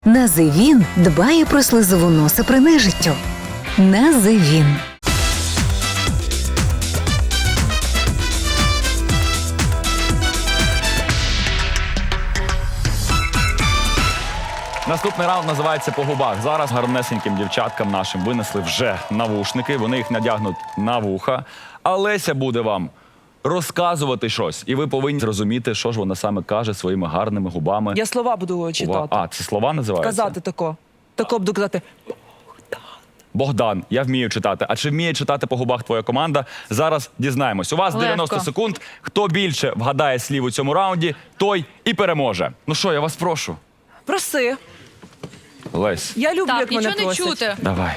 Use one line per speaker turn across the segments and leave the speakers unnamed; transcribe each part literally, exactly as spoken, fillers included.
Називін дбає про слизову носа при нежиттю. Називін.
Наступний раунд називається «По губах». Зараз гарнесеньким дівчаткам нашим винесли вже навушники, вони їх надягнуть на вуха. А Леся буде вам розказувати щось, і ви повинні зрозуміти, що ж вона саме каже своїми гарними губами.
Я слова буду читати.
А, це слова називаються?
Казати тако. Тако буду казати.
Богдан, я вмію читати. А чи вміє читати по губах твоя команда? Зараз дізнаємось. У вас
Легко.
дев'яносто секунд. Хто більше вгадає слів у цьому раунді, той і переможе. Ну що, я вас прошу.
Проси.
Лесь,
Я люблю,
Так,
як мене
нічого не
просять.
чути.
давай.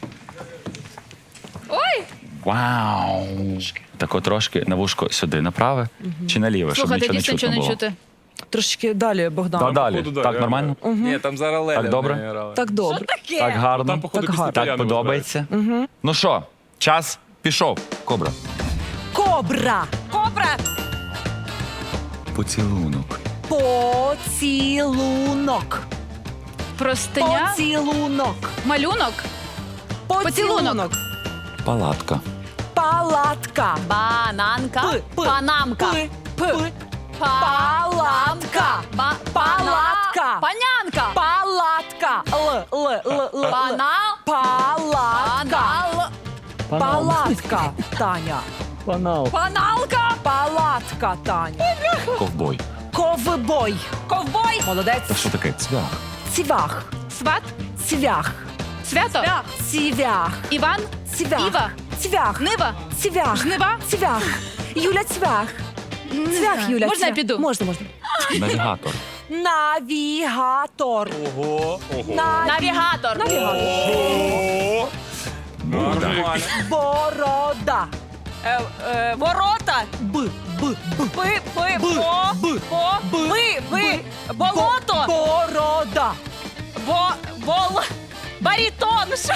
Ой!
Вау! Тако трошки на вушко сюди направе чи наліве, щоб
Слухайте,
нічого не
дійсно
чутно
нічого не
було.
чути.
Трошки далі, Богдан.
Та далі.
походу, да,
Так,
я-
нормально?
Ні, там зараз Леля
Так добре?
не грала.
Так добре.
Так гарно.
Там, походу,
Так
після
гарно.
Так
Таяни
подобається. Ну що, час пішов. Кобра.
Кобра. Кобра.
Поцілунок.
Поцілунок.
Простиня,
Поцілунок.
малюнок,
Поцілунок.
Палатка.
Палатка.
бананка,
П, п,
панамка,
П, п.
палатка,
Палатка.
Ба-
Палатка.
панянка,
Палатка. Л, л, л, л.
панал,
Палатка.
панал,
Палатка, Таня.
паналка,
Палатка, Таня.
Ковбой.
Ковбой.
ковбой,
Молодець.
Та що таке? Цвях.
Цвях.
сват,
Цвях.
свято,
Цвях.
Іван,
Цвях.
Іва,
Цвях.
Нива,
Цвях.
жнива.
Цвях. Юля Цвях.
Не
Цвях,
знаю.
Юля.
Можна я
Цвях.
піду?
Можна, можна.
Навігатор.
Навігатор.
Ого, ого.
Навігатор,
Навігатор.
Ого.
Буда.
Нормально.
Борода.
Е, е, ворота,
Б. Б. Б.
пи, пи,
Б.
по,
Б.
по,
Б.
ви, ви,
Б.
болото,
Борода.
бо, бол, барітон, що?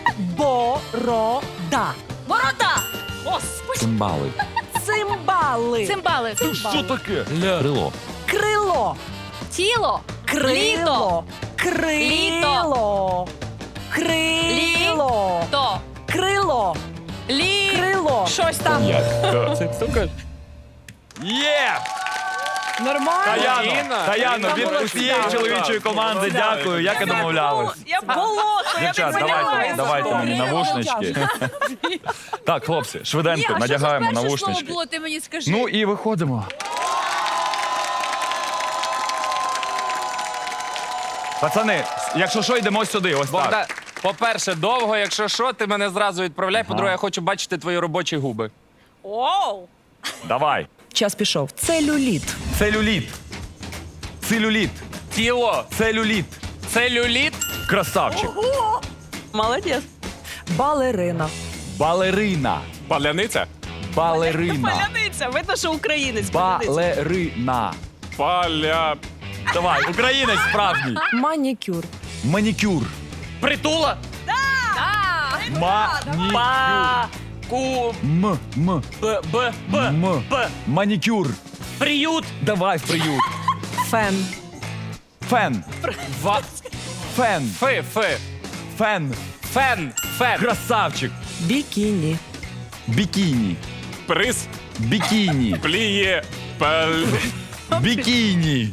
Борода.
Ворота, господи,
Цимбали.
Цимбали.
цимбали,
Що таке? Крило.
Крило.
тіло,
Крило. Крило. Крило.
то,
Крило.
лі,
Крило.
щось там.
Є!
Нормально.
Таяно,
Інна,
Таяно,
Інна
від
молодця.
усієї
Так,
чоловічої
так,
команди
так.
дякую, як і домовлялись.
Я болото,
Дівчат, давайте, давайте мені навушнички. Так, хлопці, швиденько, надягаємо навушнички.
було, ти мені скажи.
Ну і виходимо. Пацани, якщо що, йдемо сюди, ось
Богдан,
так.
по-перше, довго, якщо що, ти мене зразу відправляй. По-друге, я хочу бачити твої робочі губи.
Оу.
Давай.
Час пішов. Целюліт.
Целюліт. Целюліт.
Тіло,
Целюліт.
целюліт,
Красавчик.
Молодець. Балерина.
Балерина.
паляниця,
Балерина.
Паляниця, видно, що українець.
Балерина.
паля...
Давай, українець справжній.
Манікюр.
Манікюр.
Притула,
Манікюр.
ку...
М, м,
Б, Б, Б,
м.
Б.
Манікюр.
Приют,
Давай в приют.
Фен.
Фен.
ва...
Фен.
Фи, фи,
Фен.
фен, фен,
Красавчик.
Бікіні.
Бікіні.
приз,
Бікіні.
пліє, пель...
Бікіні.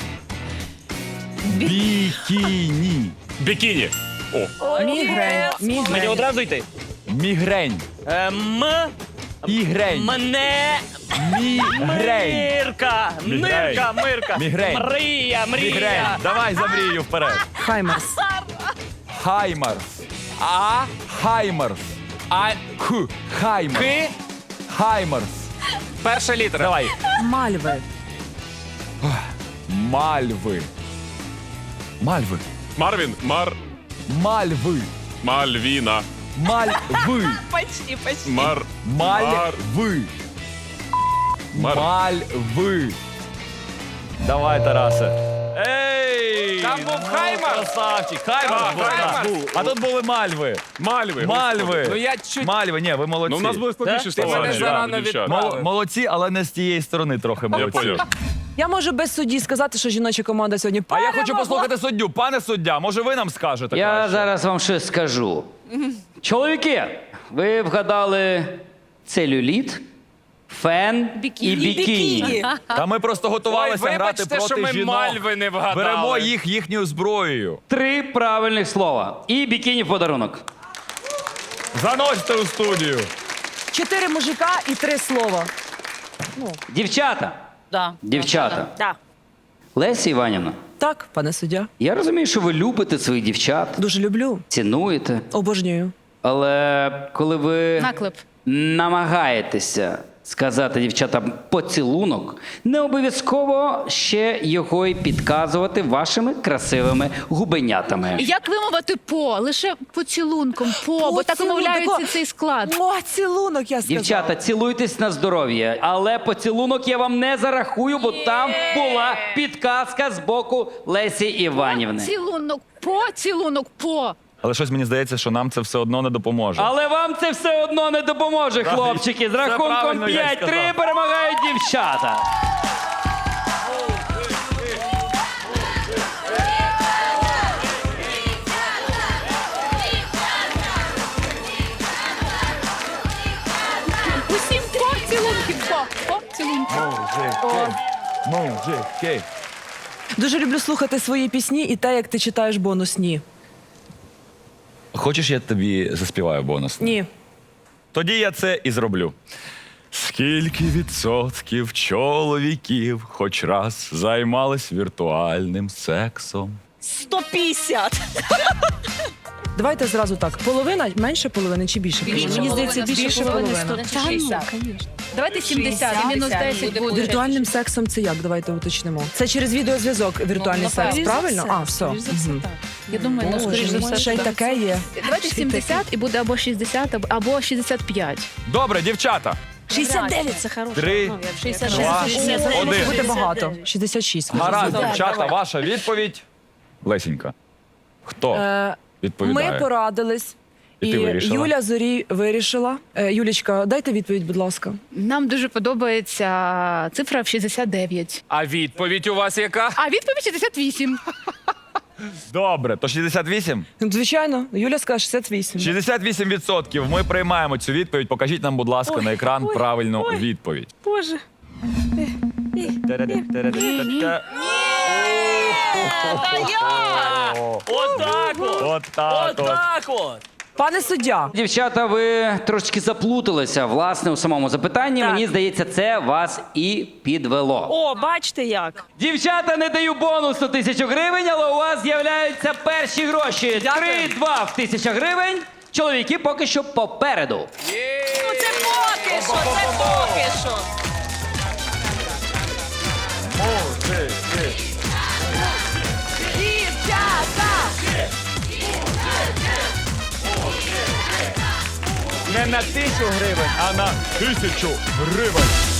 Бікіні.
Бікіні. О.
Мігрень. Мігрень.
одразу йти.
Мігрень.
М,
Ігрень.
мене,
Мігрень.
Мирка,
Мирка,
Мирка,
Мігрень.
Мрія,
Мігрень. Давай за мрію вперед.
Хаймерс.
Хаймарс.
А,
Хаймарс.
а,
Х. Хаймарс.
Ки,
Хаймарс.
перша літера.
Давай.
Мальви.
Мальви. Мальви.
Марвін, Мар,
Мальви.
Мальвіна,
Мальви.
Почти, почти.
Мар,
Мальви.
Мар.
Мальви. Давай, Тарасе. Ей!
Там був
ну,
Хаймарс.
Красавчик. Хаймарс
Так,
був, так.
Хаймарс.
А тут були Мальви.
Мальви.
Мальви.
господи. Ну я чуть...
Мальви, ні, ви молодці.
Ну, у нас були складніші
Да?
слова.
Ти мене
ніж
зарано
у дівчат.
Мол- молодці, але не з тієї сторони трохи молодці.
поняв.
Я можу без судді сказати, що жіноча команда сьогодні
А я хочу
перемогла.
послухати суддю. Пане суддя, може ви нам скажете?
Я
краще?
зараз вам щось скажу. Чоловіки, ви вгадали целюліт, фен
Бікіні.
і бікіні.
Та ми просто готувалися
Ой,
грати
вибачте,
проти
що ми
жінок.
мальви не вгадали.
Беремо їх їхньою зброєю.
Три правильних слова. І бікіні в подарунок.
Заносьте у студію.
Чотири мужика і три слова.
Дівчата,
Да.
дівчата.
Да.
Леся Іванівна,
Так, пане суддя.
я розумію, що ви любите своїх дівчат,
Дуже люблю.
цінуєте,
Обожнюю.
але коли ви
Наклеп.
намагаєтеся сказати дівчатам поцілунок, не обов'язково ще його й підказувати вашими красивими губенятами.
Як вимовити по? Лише поцілунком по, бо так
Поцілунок,
вимовляється
тако-
цей склад.
О, цілунок, я сказала.
Дівчата, цілуйтесь на здоров'я, але поцілунок я вам не зарахую, бо там була підказка з боку Лесі Іванівни.
Цілунок по, цілунок по.
Але щось мені здається, що нам це все одно не допоможе.
Але вам це все одно не допоможе,
Так,
хлопчики. З
це
рахунком
правильно я й
п'ять три
сказав.
перемагають дівчата.
Усім по, цілунки, по, по, цілунки.
Мужики.
Дуже люблю слухати свої пісні і те, як ти читаєш бонусні.
Хочеш, я тобі заспіваю бонус?
Ні.
Тоді я це і зроблю. Скільки відсотків чоловіків хоч раз займались віртуальним сексом?
сто п'ятдесят.
Давайте зразу так. Половина, менше половини чи більше? половини?
Мені здається, більше половини. Та ну, давайте сімдесят, і мінус десять буде.
Віртуальним сексом це як? Давайте уточнимо. Це через відеозв'язок віртуальний секс, правильно? А, все. Мгм.
Я думаю, ну, скоріш за все.
Ще й
так.
таке є.
Давайте сімдесят і буде або шістдесят, або- або шістдесят п'ять.
Добре, дівчата.
шістдесят дев'ять це хороше.
Три,
шістдесят
два,
шість.
Може
один.
бути багато. шістдесят шість.
Гаразд,
Так,
дівчата,
давай.
ваша відповідь. Лесінька. Хто
Е,
відповідає?
Ми порадились.
І ти вирішила?
Юля Зорі вирішила. Е, Юлічка, дайте відповідь, будь ласка.
Нам дуже подобається цифра в шістдесят дев'ять.
А відповідь у вас яка?
А відповідь шістдесят вісім.
Добре, то шістдесят вісім?
Звичайно, Юля скаже шістдесят вісім.
шістдесят вісім відсотків. Ми приймаємо цю відповідь. Покажіть нам, будь ласка, на екран правильну відповідь.
Боже.
Отак от!
Отак от.
Отак от!
Пане суддя,
Дівчата, ви трошки заплуталися власне у самому запитанні.
Так.
Мені здається, це вас і підвело.
О, бачите як.
Дівчата, не даю бонусу тисячу гривень, але у вас з'являються перші гроші. Три-два в тисяча гривень. Чоловіки поки що попереду.
Ну це поки що, це поки що.
Не на тисячу гривень, а на тисячу гривень.